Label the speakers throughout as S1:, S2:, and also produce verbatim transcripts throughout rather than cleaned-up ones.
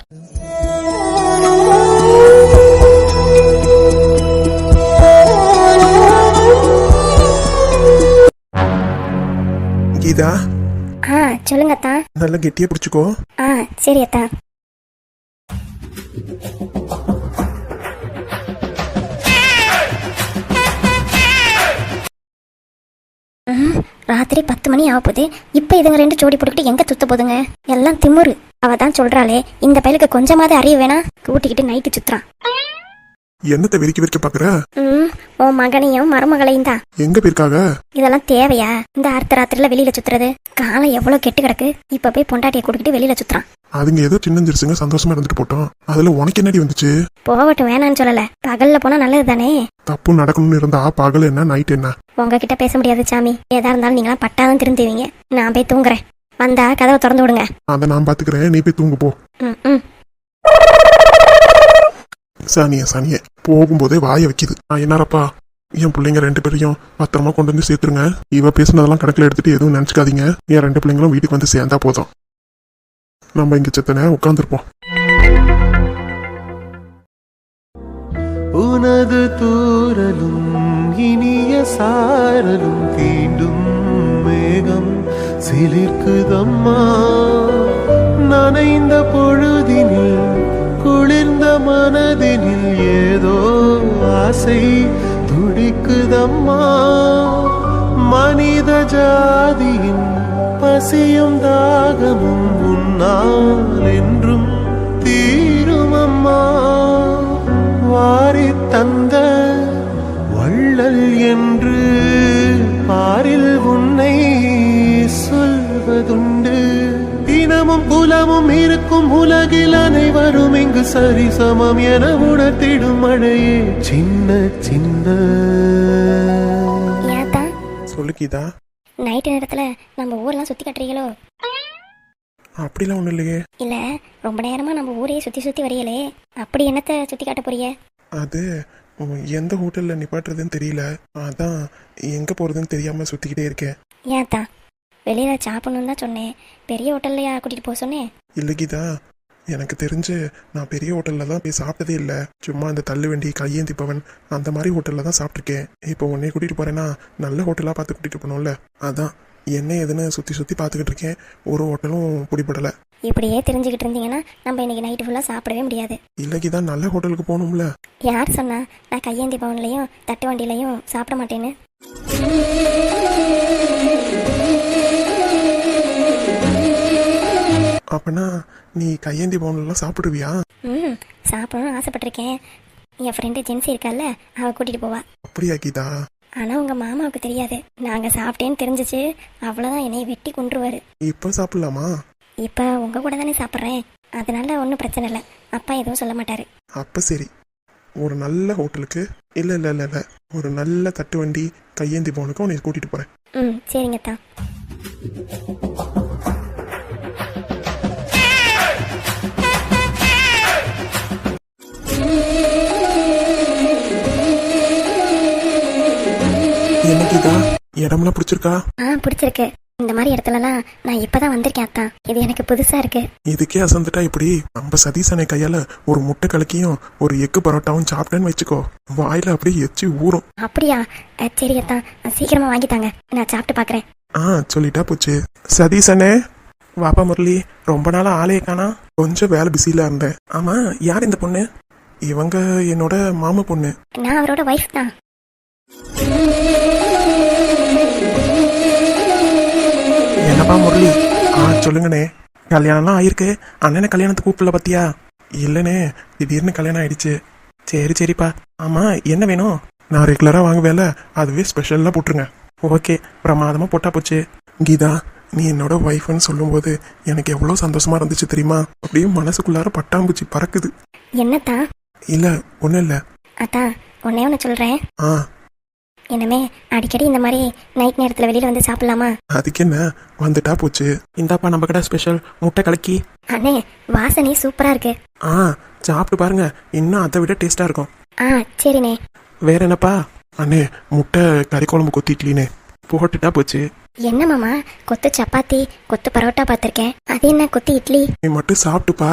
S1: கீதா.
S2: ஆ சொல்லுங்க அத்தா.
S1: நல்லா கெட்டியா பிடிச்சுக்கோ.
S2: ஆ சரி அத்தா. ராத்திரி பத்து மணி ஆக போகுது. இப்போ இதுங்க ரெண்டு ஜோடி போட்டுக்கிட்டு எங்க சுத்த போதுங்க? எல்லாம் திமுரு. அவ தான் சொல்றாளே, இந்த பயலுக்கு கொஞ்சமாவது அறிவு வேணா, கூட்டிக்கிட்டு நைட்டு சுத்துறான்.
S1: என்னத்தை விரிக்க விரிக்க பாக்குற?
S2: ம் உன் மகனையும் மருமகளையும் தான்.
S1: எங்க போயிருக்காங்க?
S2: இதெல்லாம் தேவையா? இந்த அர்த்த ராத்திரில வெளியில சுத்துறது? காலம் எவ்வளவு கெட்டு கிடக்கு. இப்ப போய் பொண்டாட்டியை கூட்டிக்கிட்டு வெளியில சுத்துறான்.
S1: அதுங்க ஏதோ சின்னஞ்சிருச்சுங்க, சந்தோஷமா இருந்துட்டு போட்டோம். அதுல உனக்கு என்னடி வந்துச்சு?
S2: போகட்டும், வேணான்னு சொல்லல. பகல்ல போனா நல்லது தானே.
S1: தப்பு நடக்கணும்னு இருந்தா பகல் என்ன நைட் என்ன?
S2: உங்ககிட்ட பேச முடியாது சாமி. ஏதா இருந்தாலும் நீங்களாம் பட்டாதான் திருந்துவீங்க. நான் போய் தூங்குறேன். வந்தா கதவை திறந்து விடுங்க.
S1: அதை நான் பாத்துக்கிறேன், நீ போய் தூங்கு போ.
S2: ம் ம்
S1: சானிய சானிய போகும்போதே வாய வைக்குது. நான் என்னப்பா, என் பிள்ளைங்க ரெண்டு பேரையும் பத்திரமா கொண்டு வந்து சேர்த்துருங்க. இவ பேசுனதெல்லாம் கணக்கில் எடுத்துட்டு எதுவும் நினைச்சுக்காதீங்க. என் ரெண்டு பிள்ளைங்களும் வீட்டுக்கு வந்து சேர்ந்தா போதும். நம்ம இங்க செத்தனை உட்காந்துருப்போம்.
S3: உனது தூரலும் இனிய சாரலும் தீண்டும் மேகம் சிலிர்க்குதம்மா. நனைந்த பொழுதினில் குளிர்ந்த மனதினில் ஏதோ ஆசை துடிக்குதம்மா. மனித ஜாதியின் பசியும் தாகமும் உன்னால் என்றும் தீருமம்மா. வாரி தந்த வள்ளல் என்று பாரில் உன்னை சொல்வதுண்டு. தினமும் குலமும் இருக்கும் உலகில் அனைவரும் இங்கு சரிசமம் என உணர்த்திடும் மழையே சின்ன சின்ன.
S1: சொல்லு கீதா.
S2: நைட்டு நேரத்துல நம்ம ஊரெல்லாம் சுத்தி கட்டுறீங்களோ?
S1: அப்படிலாம் ஒண்ணும் இல்லையே.
S2: இல்ல, ரொம்ப நேரமா நம்ம ஊரையே சுத்தி சுத்தி வரையலே, அப்படி என்னத்த சுத்தி காட்ட போறீங்க?
S1: அது எந்த ஹோட்டல்ல நிப்பாட்டுறதுன்னு தெரியல, அதான் எங்க போறதுன்னு தெரியாம சுத்திக்கிட்டே இருக்கேன்.
S2: ஏன்தா? வெளியில சாப்பிடணும்னு தான் சொன்னேன். பெரிய ஹோட்டல்லையா கூட்டிட்டு போக சொன்னேன்?
S1: இல்ல கீதா, எனக்கு தெரிஞ்சு நான் பெரிய ஹோட்டல்ல தான் போய் சாப்பிட்டதே இல்லை. சும்மா இந்த தள்ளுவண்டி, கையேந்தி பவன் அந்த மாதிரி ஹோட்டல்ல தான் சாப்பிட்ருக்கேன். இப்போ உன்னை கூட்டிட்டு போறேன்னா நல்ல ஹோட்டலா பார்த்து கூட்டிட்டு போகணும்ல, அதான் என்ன எதுன்னு சுத்தி சுத்தி பார்த்துக்கிட்டு இருக்கேன். ஒரு ஹோட்டலும் பிடிபடல.
S2: இப்படியே தெரிஞ்சுக்கிட்டு இருந்தீங்கன்னா நம்ம இன்னைக்கு நைட்டு ஃபுல்லா சாப்பிடவே முடியாது.
S1: இல்லைக்கு தான் நல்ல ஹோட்டலுக்கு போகணும்ல.
S2: யார் சொன்னா நான் கையேந்தி பவன்லையும் தட்டு வண்டிலையும் சாப்பிட மாட்டேன்னு?
S1: அப்பனா நீ கையேந்தி பவன்லாம் சாப்பிடுவியா?
S2: ம் சாப்பிடணும்னு ஆசைப்பட்டிருக்கேன். என் ஃப்ரெண்டு ஜென்சி இருக்கால, அவ கூட்டிட்டு போவா.
S1: அப்படியா கீதா?
S2: ஆனா உங்க மாமாவுக்கு தெரியாது. நாங்க சாப்பிட்டேன்னு தெரிஞ்சிச்சு, அவ்வளவுதான் என்னை வெட்டி கொன்றுவாரு.
S1: இப்ப சாப்பிடலாமா?
S2: இப்ப உங்க கூட தானே சாப்பிட்றேன், அதனால ஒன்றும் பிரச்சனை இல்லை. அப்பா எதுவும் சொல்ல மாட்டாரு.
S1: அப்ப சரி, ஒரு நல்ல ஹோட்டலுக்கு இல்ல இல்ல இல்ல இல்ல ஒரு நல்ல தட்டு வண்டி கையேந்தி பவனுக்கு உன்னை கூட்டிட்டு போறேன்.
S2: ம் சரிங்க தான்.
S1: என்ன கீதா, இடம்லாம் பிடிச்சிருக்கா?
S2: ஆ பிடிச்சிருக்கு. இந்த மாதிரி இடத்துலலாம் நான் இப்பதான் வந்திருக்கேன் அத்தான். இது எனக்கு புதுசா இருக்கு.
S1: இதுக்கே அசந்துட்டா இப்படி? நம்ம சதீசனை கையால ஒரு முட்டை கலக்கியும் ஒரு எக்கு பரோட்டாவும் சாப்பிட்டேன்னு வச்சுக்கோ, வாயில அப்படியே எச்சி ஊறும்.
S2: அப்படியா? சரி அத்தான், சீக்கிரமா வாங்கித்தாங்க, நான் சாப்பிட்டு பாக்குறேன்.
S1: ஆ சொல்லிட்டா போச்சு. சதீசனே வாப்பா. முரளி, ரொம்ப நாளா ஆளையே காணா. கொஞ்சம் வேலை பிஸியில இருந்தேன். ஆமா, யார் இந்த பொண்ணு? இவங்க என்னோட மாமா பொண்ணு.
S2: நான் அவரோட வைஃப் தான்.
S1: என்னப்பா முரளி? ஆ சொல்லுங்கண்ணே. கல்யாணம்லாம் ஆயிருக்கு. அண்ணனை கல்யாணத்துக்கு கூப்பிடல பத்தியா? இல்லைண்ணே, திடீர்னு கல்யாணம் ஆயிடுச்சு. சரி சரிப்பா. ஆமா என்ன வேணும்? நான் ரெகுலரா வாங்குவேல, அதுவே ஸ்பெஷல்லாம் போட்டுருங்க. ஓகே, பிரமாதமா போட்டா போச்சு. கீதா, நீ என்னோட ஒய்ஃப்னு சொல்லும்போது எனக்கு எவ்வளோ சந்தோஷமா இருந்துச்சு தெரியுமா? அப்படியே மனசுக்குள்ளார பட்டாம்பூச்சி பறக்குது.
S2: என்னத்தான்?
S1: இல்ல ஒன்றும் இல்லை.
S2: அத்தான் ஒன்னே ஒன்று சொல்றேன்.
S1: ஆ
S2: என்னமே அடிக்கடி இந்த மாதிரி நைட் நேரத்துல வெளியில வந்து சாப்பிடலாமா?
S1: அதுக்கு என்ன, வந்துட்டா போச்சு. இந்தாப்பா நம்ம கடை ஸ்பெஷல் முட்டை கலக்கி.
S2: அண்ணே வாசனை சூப்பரா இருக்கு.
S1: ஆ சாப்பிட்டு பாருங்க, இன்னும் அதை விட டேஸ்டா இருக்கும்.
S2: ஆ சரிண்ணே.
S1: வேற என்னப்பா? அண்ணே முட்டை கறி குழம்பு கொத்தி இட்லினே போட்டுட்டா போச்சு.
S2: என்ன மாமா, கொத்து சப்பாத்தி கொத்து பரோட்டா பார்த்திருக்கேன், அது என்ன கொத்து இட்லி?
S1: நீ மட்டும் சாப்பிட்டு பாரு,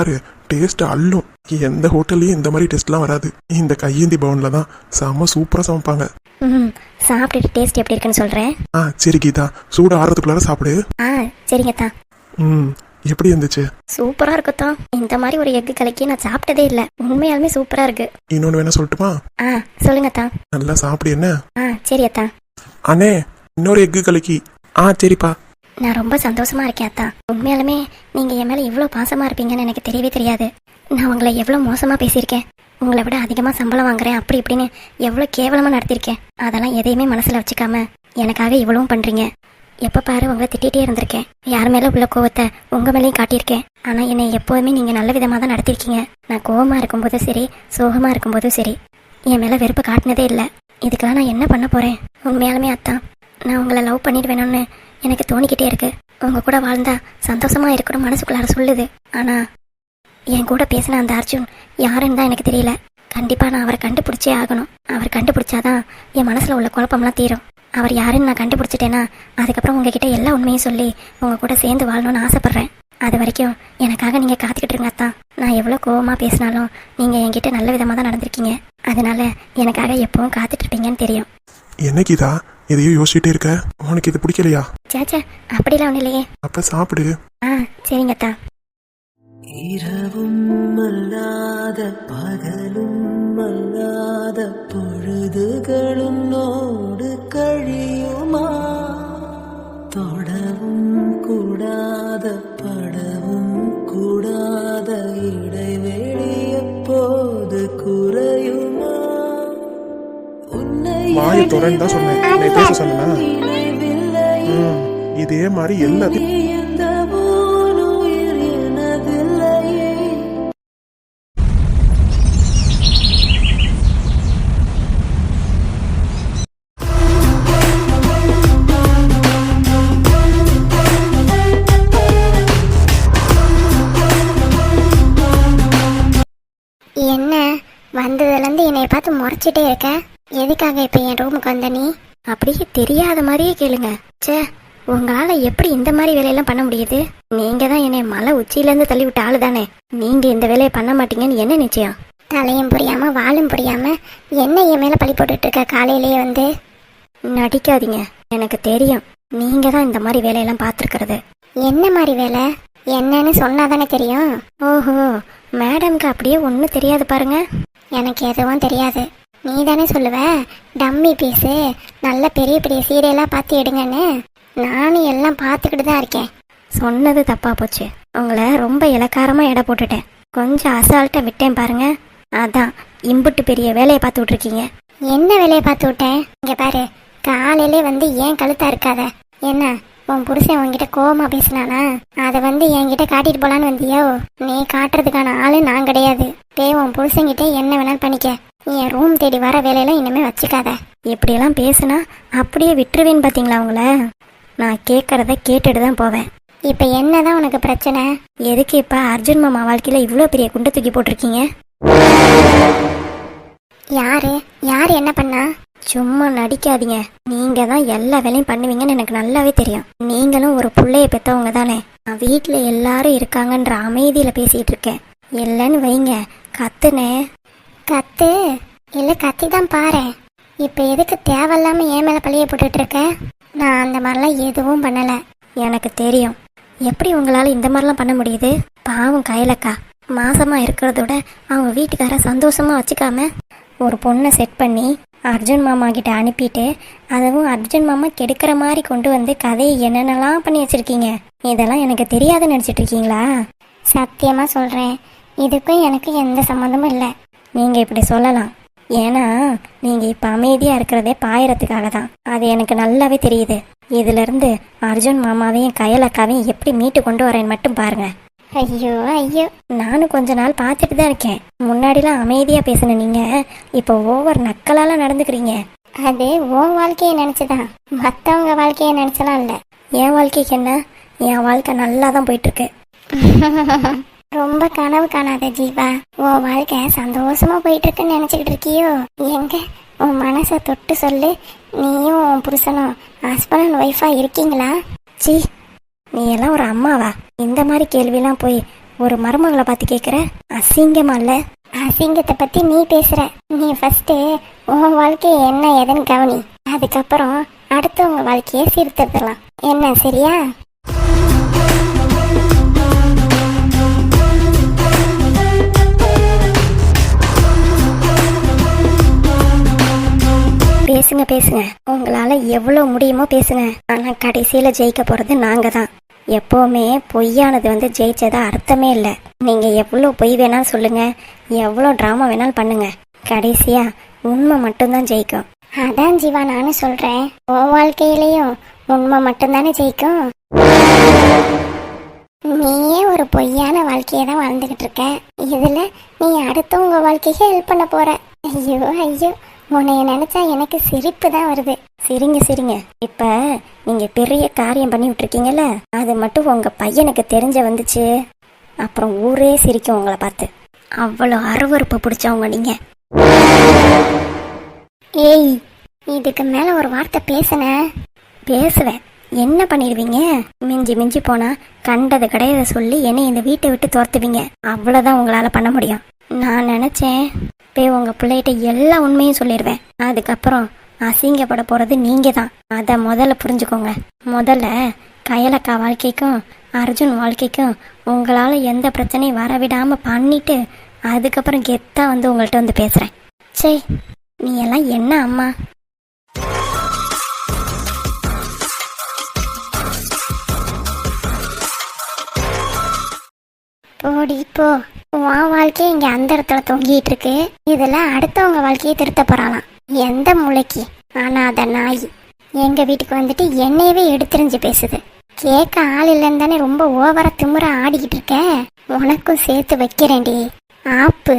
S1: டேஸ்ட் அள்ளும். எந்த ஹோட்டல்லையும் இந்த மாதிரி டேஸ்ட்லாம் வராது. இந்த கையேந்தி பவன்ல தான் செம்ம சூப்பரா சமைப்பாங்க.
S2: ம் சாப்பிட்டுட்டு டேஸ்ட் எப்படி இருக்குன்னு சொல்கிறேன்.
S1: ஆ சரி கீதா, சூடு ஆறதுக்குள்ளார சாப்பிடு.
S2: ஆ சரிங்கத்தா.
S1: ம் எப்படி இருந்துச்சு?
S2: சூப்பராக இருக்குத்தான். இந்த மாதிரி ஒரு எக்கு கலக்கி நான் சாப்பிட்டதே இல்லை. உண்மையாலுமே சூப்பராக இருக்கு.
S1: இன்னொன்று வேணா சொல்லட்டுமா?
S2: ஆ சொல்லுங்கத்தா.
S1: நல்லா சாப்பிடு என்ன.
S2: ஆ சரி அத்தா.
S1: அண்ணே இன்னொரு எக்கு கலக்கி. ஆ சரிப்பா.
S2: நான் ரொம்ப சந்தோஷமா இருக்கேன் அத்தா. உண்மையாலுமே நீங்கள் என் மேலே இவ்வளோ பாசமாக இருப்பீங்கன்னு எனக்கு தெரியவே தெரியாது. நான் உங்களை எவ்வளோ மோசமாக பேசியிருக்கேன், உங்களை விட அதிகமாக சம்பளம் வாங்குறேன் அப்படி இப்படின்னு எவ்வளோ கேவலமாக நடத்திருக்கேன். அதெல்லாம் எதையுமே மனசில் வச்சுக்காம எனக்காக இவ்வளவும் பண்ணுறீங்க. எப்போ பாரு உங்களை திட்டிகிட்டே இருந்திருக்கேன். யார் மேலே உள்ள கோவத்தை உங்கள் மேலேயும் காட்டியிருக்கேன். ஆனால் என்னை எப்போதுமே நீங்கள் நல்ல விதமாக தான் நடத்திருக்கீங்க. நான் கோவமாக இருக்கும்போதும் சரி, சோகமாக இருக்கும்போதும் சரி, என் மேலே வெறுப்பு காட்டினதே இல்லை. இதுக்கெல்லாம் நான் என்ன பண்ண போகிறேன்? உண்மையாலுமே அத்தான், நான் உங்களை லவ் பண்ணிட்டு வேணும்னு எனக்கு தோணிக்கிட்டே இருக்கு. உங்கள் கூட வாழ்ந்தா சந்தோஷமாக இருக்கணும் மனசுக்குள்ளார சொல்லுது. ஆனால் என் கூட பேசின அந்த அர்ஜுன் யாருன்னு தான் எனக்கு தெரியல. கண்டிப்பாக நான் அவரை கண்டுபிடிச்சே ஆகணும். அவர் கண்டுபிடிச்சாதான் என் மனசில் உள்ள குழப்பம்லாம் தீரும். அவர் யாருன்னு நான் கண்டுபிடிச்சிட்டேன்னா அதுக்கப்புறம் உங்ககிட்ட எல்லா உண்மையும் சொல்லி உங்கள் கூட சேர்ந்து வாழணும்னு ஆசைப்பட்றேன். அது வரைக்கும் எனக்காக நீங்கள் காத்துக்கிட்டு இருங்க அத்தான். நான் எவ்வளோ கோவமாக பேசினாலும் நீங்கள் என்கிட்ட நல்ல விதமாக தான் நடந்திருக்கீங்க. அதனால எனக்காக எப்பவும் காத்துட்டு இருப்பீங்கன்னு தெரியும்.
S1: என்ன கீதா எதையும் யோசிச்சுட்டே இருக்க? உனக்கு இது பிடிக்கலையா?
S2: சேச்சா அப்படிலாம் ஒன்றும் இல்லையே.
S1: அப்ப சாப்பிடு.
S2: ஆ சரிங்க அத்தா.
S4: இரவும் அல்லாத பகலும் அல்லாத பொழுதுகளும் நோடு கழியுமா? தொடவும் கூடாத படவும் கூடாத இடைவெளி எப்போது குறையுமா? உன்னை
S1: வாயை தொடர்ந்து தான் சொன்னேன். நீ பேச சொன்னா இதே மாதிரி எல்லாத்தையும்
S2: என்ன வந்ததுலேருந்து என்னை பார்த்து முறைச்சிட்டே இருக்க? எதுக்காக இப்போ என் ரூமுக்கு வந்த நீ? அப்படியே தெரியாத மாதிரியே கேளுங்க. சே, உங்களால் எப்படி இந்த மாதிரி வேலையெல்லாம் பண்ண முடியுது? நீங்கள் தான் என்னை மலை உச்சியிலேருந்து தள்ளி விட்ட ஆளு தானே. நீங்கள் இந்த வேலையை பண்ண மாட்டீங்கன்னு என்ன நிச்சயம்? தலையும் புரியாம வாழும் புரியாம என்ன என் மேலே பழி போட்டுட்டு இருக்க? காலையிலேயே வந்து நடிக்காதீங்க. எனக்கு தெரியும் நீங்க தான் இந்த மாதிரி வேலையெல்லாம் பார்த்துருக்கிறது. என்ன மாதிரி வேலை? என்னன்னு சொன்னாதானே தெரியும். ஓஹோ, மேடம்க்கு அப்படியே ஒன்றும் தெரியாது பாருங்க. எனக்கு எதுவும் தெரியாது. நீ தானே சொல்லுவ டம்மி பீஸு நல்ல பெரிய பெரிய சீரியலாக பார்த்து எடுங்கன்னு. நானும் எல்லாம் பார்த்துக்கிட்டு தான் இருக்கேன். சொன்னது தப்பா போச்சு. உங்களை ரொம்ப இலக்காரமாக எடை போட்டுட்டேன். கொஞ்சம் அசால்ட்டாக விட்டேன் பாருங்க. அதான் இம்புட்டு பெரிய வேலையை பார்த்து விட்ருக்கீங்க. என்ன வேலையை பார்த்து விட்டேன்? இங்கே பாரு, காலையிலே வந்து ஏன் கழுத்தா இருக்காத? என்ன உன் புருஷன் உன்கிட்ட கோவமா பேசினானா? அதை வந்து என்கிட்ட காட்டிட்டு போலான்னு வந்தியோ? நீ காட்டுறதுக்கான ஆளு நான் கிடையாது. பே உன் புருஷன்கிட்ட என்ன வேணாலும் பண்ணிக்க. என் ரூம் தேடி வர வேலையெல்லாம் இனிமே வச்சுக்காத. இப்படியெல்லாம் பேசுனா அப்படியே விட்டுருவேன்னு பார்த்தீங்களா உங்கள? நான் கேட்கறத கேட்டுட்டு தான் போவேன். இப்போ என்னதான் உனக்கு பிரச்சனை? எதுக்கு இப்போ அர்ஜுன் மாமா வாழ்க்கையில் இவ்வளோ பெரிய குண்டை தூக்கி போட்டிருக்கீங்க? யாரு யாரு என்ன பண்ணா? சும்மா நடிக்காதீங்க. நீங்க தான் எல்லா வேலையும் பண்ணுவீங்கன்னு எனக்கு நல்லாவே தெரியும். நீங்களும் ஒரு பிள்ளைய பெற்றவங்க தானே. நான் வீட்டில் எல்லாரும் இருக்காங்கன்ற அமைதியில பேசிட்டு இருக்கேன். இல்லைன்னு வைங்க கத்துனே. கத்து இல்லை கத்தி தான் பாரு. இப்போ எதுக்கு தேவையில்லாம ஏன் மேலே பழிய போட்டுட்டு இருக்க? நான் அந்த மாதிரிலாம் எதுவும் பண்ணலை. எனக்கு தெரியும் எப்படி உங்களால் இந்த மாதிரிலாம் பண்ண முடியுது. பாவம் கையிலக்கா மாசமா இருக்கிறதோட அவங்க வீட்டுக்கார சந்தோஷமா வச்சுக்காம ஒரு பொண்ணை செட் பண்ணி அர்ஜுன் மாமா கிட்ட அனுப்பிட்டு அதுவும் அர்ஜுன் மாமா கெடுக்கிற மாதிரி கொண்டு வந்து கதையை என்னென்னலாம் பண்ணி வச்சிருக்கீங்க. இதெல்லாம் எனக்கு தெரியாதுன்னு நினச்சிட்டு இருக்கீங்களா? சத்தியமாக சொல்கிறேன், இதுக்கும் எனக்கு எந்த சம்மந்தமும் இல்லை. நீங்கள் இப்படி சொல்லலாம். ஏன்னா நீங்கள் இப்போ அமைதியாக இருக்கிறதே பாயறதுக்காக தான். அது எனக்கு நல்லாவே தெரியுது. இதிலிருந்து அர்ஜுன் மாமாவையும் கையலக்காவையும் எப்படி மீட்டு கொண்டு வரேன்னு மட்டும் பாருங்க. ஐயோ ஐயோ, நானும் கொஞ்ச நாள் பார்த்துட்டு தான் இருக்கேன். முன்னாடிலாம் அமைதியாக பேசின நீங்கள் இப்போ ஓவர் நக்கலால் நடந்துக்கிறீங்க. அது உன் வாழ்க்கையை நினச்சிதான், மற்றவங்க வாழ்க்கையை நினச்சலாம் இல்லை. என் வாழ்க்கைக்கு என்ன? என் வாழ்க்கை நல்லா தான் போயிட்டுருக்கு. ரொம்ப கனவு காணாத ஜீவா. உன் வாழ்க்கை சந்தோஷமா போயிட்டு இருக்குன்னு நினச்சிக்கிட்டு இருக்கியோ? எங்க உன் மனசை தொட்டு சொல்லு. நீயும் உன் புருஷனும் ஹஸ்பண்ட் அண்ட் ஒய்ஃபா இருக்கீங்களா? சி, நீ எல்லாம் ஒரு அம்மாவா? இந்த மாதிரி கேள்விலாம் போய் ஒரு மருமகளை பார்த்து கேட்குற? அசிங்கமா இல்லை? அசிங்கத்தை பற்றி நீ பேசுகிற. நீ ஃபஸ்ட்டு உன் வாழ்க்கையை என்ன ஏதுன்னு கவனி. அதுக்கப்புறம் அடுத்தவங்க வாழ்க்கையை சீர்திருத்தலாம். என்ன, சரியா? பேசுங்க பேசுங்க, உங்களால எவ்வளவு முடியுமோ பேசுங்க. ஆனா கடைசியில ஜெயிக்க போறது நாங்க தான். எப்பவுமே பொய்யானது வந்து ஜெயிச்சதா அர்த்தமே இல்லை. நீங்க எவ்வளவு பொய் வேணாலும் சொல்லுங்க, எவ்வளவு டிராமா வேணாலும் பண்ணுங்க, கடைசியா உண்மை மட்டும்தான் ஜெயிக்கும். அதான் ஜீவா நானும் சொல்றேன், உன் வாழ்க்கையிலையும் உண்மை மட்டும்தானே ஜெயிக்கும். நீயே ஒரு பொய்யான வாழ்க்கையை தான் வாழ்ந்துகிட்டு இருக்க. இதுல நீ அடுத்தவங்க வாழ்க்கைக்கு ஹெல்ப் பண்ண போற. ஐயோ ஐயோ, உன்னைய நினைச்சா எனக்கு சிரிப்பு தான் வருது. சிரிங்க சிரிங்க. இப்ப நீங்க பெரிய காரியம் பண்ணி விட்டுருக்கீங்கல்ல, அது மட்டும் உங்க பையனுக்கு தெரிஞ்ச வந்துச்சு, அப்புறம் ஊரே சிரிக்கும் உங்களை பார்த்து. அவ்வளோ அருவருப்பு பிடிச்சவங்க நீங்க. ஏய், இதுக்கு மேல ஒரு வார்த்தை பேசுன பேசுவேன், என்ன பண்ணிடுவீங்க? மிஞ்சி மிஞ்சி போனா கண்டது கிடையாது சொல்லி என்னை இந்த வீட்டை விட்டு துரத்துவீங்க. அவ்வளோதான் உங்களால பண்ண முடியும். நான் நினைச்சேன் போய் உங்க பிள்ளைகிட்ட எல்லா உண்மையும் சொல்லிடுவேன். அதுக்கப்புறம் அசிங்கப்பட போறது நீங்க தான். அதை முதல்ல புரிஞ்சுக்கோங்க. முதல்ல கயலக்கா வாழ்க்கைக்கும் அர்ஜுன் வாழ்க்கைக்கும் உங்களால எந்த பிரச்சனையும் வரவிடாம பண்ணிட்டு அதுக்கப்புறம் கெத்தா வந்து உங்கள்கிட்ட வந்து பேசுறேன். சே, நீ எல்லாம் என்ன அம்மா? போடி போ. உன் வாழ்க்கையை இங்க அந்த இடத்துல தொங்கிட்டு இருக்கு. இதுல அடுத்தவங்க வாழ்க்கையை திருத்த போறாளாம். எந்த மூளைக்கு? ஆனா அத நாய் எங்க வீட்டுக்கு வந்துட்டு என்னையவே எடுத்துரிஞ்சு பேசுது. கேட்க ஆள் இல்லைன்னு தானே ரொம்ப ஓவரா திமுற ஆடிக்கிட்டு இருக்க. உனக்கும் சேர்த்து வைக்கிறேன்டி ஆப்பு.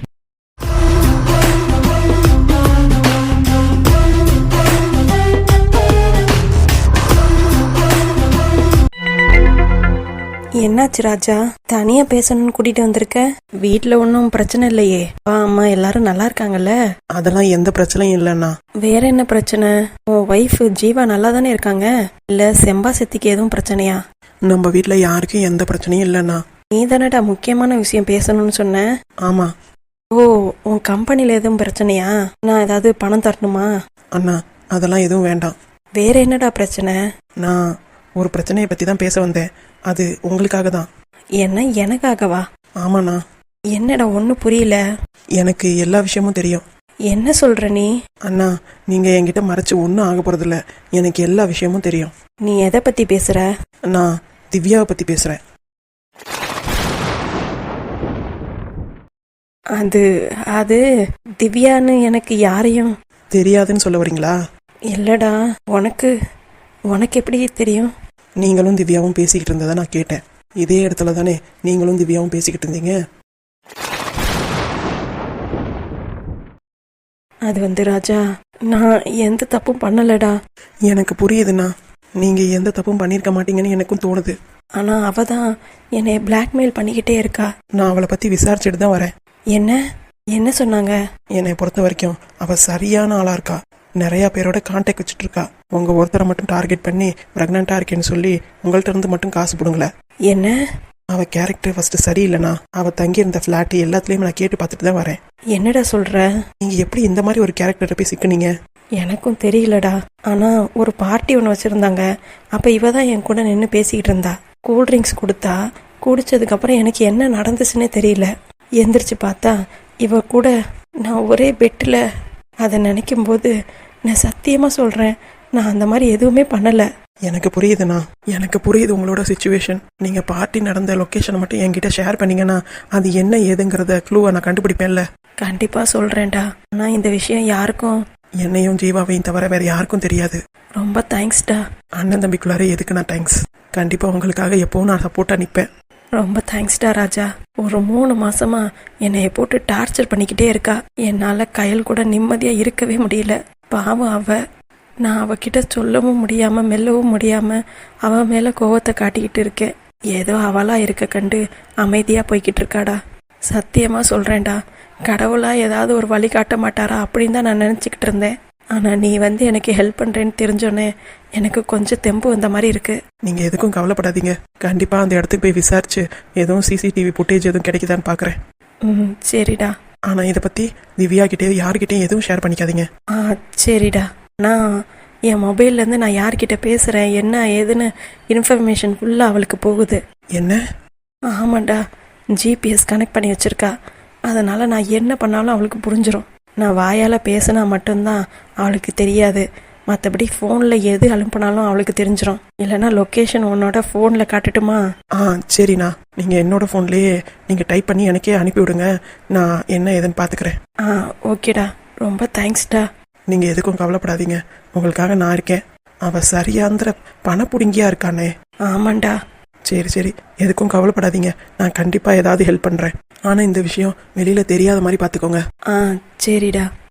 S5: என்னாச்சு ராஜா, தனியா பேசணும்னு கூட்டிட்டு வந்திருக்க? வீட்டுல ஒன்னும் பிரச்சனை இல்லையே? அப்பா அம்மா எல்லாரும் நல்லா இருக்காங்கல்ல?
S1: அதெல்லாம் எந்த பிரச்சனையும் இல்லைண்ணா.
S5: வேற என்ன பிரச்சனை? உன் ஒய்ஃப் ஜீவா நல்லா தானே இருக்காங்க? இல்ல செம்பா செத்திக்கு எதுவும் பிரச்சனையா?
S1: நம்ம வீட்டுல யாருக்கும் எந்த பிரச்சனையும் இல்லைண்ணா.
S5: நீ தானடா முக்கியமான விஷயம் பேசணும்னு சொன்ன.
S1: ஆமா.
S5: ஓ, உன் கம்பெனில எதுவும் பிரச்சனையா? நான் ஏதாவது பணம் தரணுமா?
S1: அண்ணா, அதெல்லாம் எதுவும் வேண்டாம்.
S5: வேற என்னடா பிரச்சனை?
S1: நான் ஒரு பிரச்சனையை பத்தி தான் பேச வந்தேன். அது உங்களுக்காக தான்.
S5: என்ன, எனக்காகவா?
S1: ஆமாண்ணா.
S5: என்னடா ஒண்ணு புரியல.
S1: எனக்கு எல்லா விஷயமும் தெரியும்.
S5: என்ன சொல்ற நீ?
S1: அண்ணா, நீங்க என்கிட்ட மறைச்சு ஒன்றும் ஆக போறதில்ல. எனக்கு எல்லா விஷயமும் தெரியும்.
S5: நீ எதை பத்தி பேசுற?
S1: நான் திவ்யாவை பத்தி பேசுறேன்.
S5: அது அது திவ்யான்னு எனக்கு யாரையும்
S1: தெரியாதுன்னு சொல்ல வரீங்களா?
S5: இல்லடா, உனக்கு உனக்கு எப்படி தெரியும்?
S1: நீங்களும் திவ்யாவும் பேசிக்கிட்டு இருந்ததை நான் கேட்டேன். இதே இடத்துல தானே நீங்களும் திவ்யாவும் பேசிக்கிட்டு இருந்தீங்க.
S5: அது வந்து ராஜா, நான் எந்த தப்பும் பண்ணலடா.
S1: எனக்கு புரியுதுண்ணா, நீங்க எந்த தப்பும் பண்ணியிருக்க மாட்டீங்கன்னு எனக்கும் தோணுது.
S5: ஆனா அவ தான் என்னை பிளாக்மெயில் பண்ணிக்கிட்டே இருக்கா.
S1: நான் அவளை பத்தி விசாரிச்சுட்டு தான் வரேன்.
S5: என்ன என்ன சொன்னாங்க?
S1: என்னை பொறுத்த வரைக்கும் அவ சரியான ஆளா இருக்கா. நிறைய பேரோட கான்டாக்ட் வச்சுட்டு இருக்கா. உங்க ஒருத்தரை மட்டும் டார்கெட் பண்ணி பிரெக்னண்டா இருக்கேன்னு சொல்லி உங்கள்ட்ட இருந்து மட்டும் காசு போடுங்களேன்.
S5: என்ன?
S1: அவ கேரக்டர் ஃபர்ஸ்ட் சரியில்லைண்ணா. அவ தங்கி இருந்த பிளாட் எல்லாத்துலயும் நான் கேட்டு பார்த்துட்டு தான் வரேன்.
S5: என்னடா சொல்ற?
S1: நீங்க எப்படி இந்த மாதிரி ஒரு கேரக்டரை போய் சிக்கினீங்க?
S5: எனக்கும் தெரியலடா. ஆனா ஒரு பார்ட்டி ஒன்று வச்சிருந்தாங்க. அப்ப இவ தான் என் கூட நின்று பேசிக்கிட்டு இருந்தா. கூல் ட்ரிங்க்ஸ் கொடுத்தா. குடிச்சதுக்கு அப்புறம் எனக்கு என்ன நடந்துச்சுன்னே தெரியல. எந்திரிச்சு பார்த்தா இவ கூட நான் ஒரே பெட்டில். அதை நினைக்கும் போது நான் சத்தியமா சொல்றேன், நான் அந்த மாதிரி எதுவுமே பண்ணல.
S1: எனக்கு புரியுதுண்ணா, எனக்கு புரியுது உங்களோட சிச்சுவேஷன். நீங்க பார்ட்டி நடந்த லொக்கேஷனை மட்டும் என்கிட்ட ஷேர் பண்ணீங்கன்னா அது என்ன ஏதுங்கிறத க்ளூவை நான் கண்டுபிடிப்பேன்ல.
S5: கண்டிப்பா சொல்றேன்டா. ஆனா இந்த விஷயம் யாருக்கும்,
S1: என்னையும் ஜீவாவையும் தவிர வேற யாருக்கும் தெரியாது.
S5: ரொம்ப தேங்க்ஸ்டா.
S1: அண்ணன் தம்பிக்குள்ளாரே எதுக்கு நான் தேங்க்ஸ். கண்டிப்பா உங்களுக்காக எப்பவும் நான் சப்போர்ட்டா நிற்பேன்.
S5: ரொம்ப தேங்க்ஸ்டா ராஜா. ஒரு மூணு மாசமா என்னைய போட்டு டார்ச்சர் பண்ணிக்கிட்டே இருக்கா. என்னால கையில் கூட நிம்மதியா இருக்கவே முடியல. பாவம் அவ. நான் அவகிட்ட சொல்லவும் முடியாம மெல்லவும் முடியாம அவ மேல கோவத்தை காட்டிக்கிட்டு இருக்கேன். ஏதோ அவளா இருக்க கண்டு அமைதியா போய்கிட்டு இருக்காடா. சத்தியமா சொல்றேன்டா, கடவுளா ஏதாவது ஒரு வழி காட்ட மாட்டாரா அப்படின்னு தான் நான் நினைச்சுக்கிட்டு இருந்தேன். ஆனால் நீ வந்து எனக்கு ஹெல்ப் பண்ணுறேன்னு தெரிஞ்சோன்னே எனக்கு கொஞ்சம் தெம்பு வந்த மாதிரி இருக்கு.
S1: நீங்க எதுக்கும் கவலைப்படாதீங்க. கண்டிப்பா அந்த இடத்துக்கு போய் விசாரிச்சு எதுவும் சிசிடிவி ஃபுட்டேஜ் எதுவும் கிடைக்குதான்னு பாக்குறேன்.
S5: ம் சரிடா.
S1: ஆனா இதை பத்தி திவ்யா கிட்டேயும் யாருக்கிட்டையும் எதுவும் ஷேர் பண்ணிக்காதீங்க.
S5: ஆ சரிடா. நான் என் மொபைல்லேருந்து நான் யார்கிட்ட பேசுகிறேன் என்ன ஏதுன்னு இன்ஃபர்மேஷன் ஃபுல்லாக அவளுக்கு போகுது.
S1: என்ன?
S5: ஆமாண்டா, ஜிபிஎஸ் கனெக்ட் பண்ணி வச்சிருக்கா. அதனால் நான் என்ன பண்ணாலும் அவளுக்கு புரிஞ்சிடும். நான் வாயால் பேசினா மட்டும்தான் அவளுக்கு தெரியாது. மற்றபடி ஃபோனில் எது அனுப்பினாலும் அவளுக்கு தெரிஞ்சிடும். இல்லைன்னா லொக்கேஷன் உன்னோட ஃபோனில் காட்டட்டுமா?
S1: ஆ சரிண்ணா, நீங்க என்னோட ஃபோன்லேயே நீங்க டைப் பண்ணி எனக்கே அனுப்பி விடுங்க. நான் என்ன ஏதுன்னு பாத்துக்கிறேன்.
S5: ஆ ஓகேடா, ரொம்ப தேங்க்ஸ்டா.
S1: நீங்க எதுக்கும் கவலைப்படாதீங்க, உங்களுக்காக நான் இருக்கேன். அவ சரியாந்திர பணப்புடுங்கியா இருக்கானே.
S5: ஆமாண்டா.
S1: சரி சரி, எதுக்கும் கவலைப்படாதீங்க, நான் கண்டிப்பா ஏதாவது ஹெல்ப் பண்றேன். ஆனா இந்த விஷயம் வெளியில தெரியாத மாதிரி பாத்துக்கோங்க.
S5: ஆ சரிடா.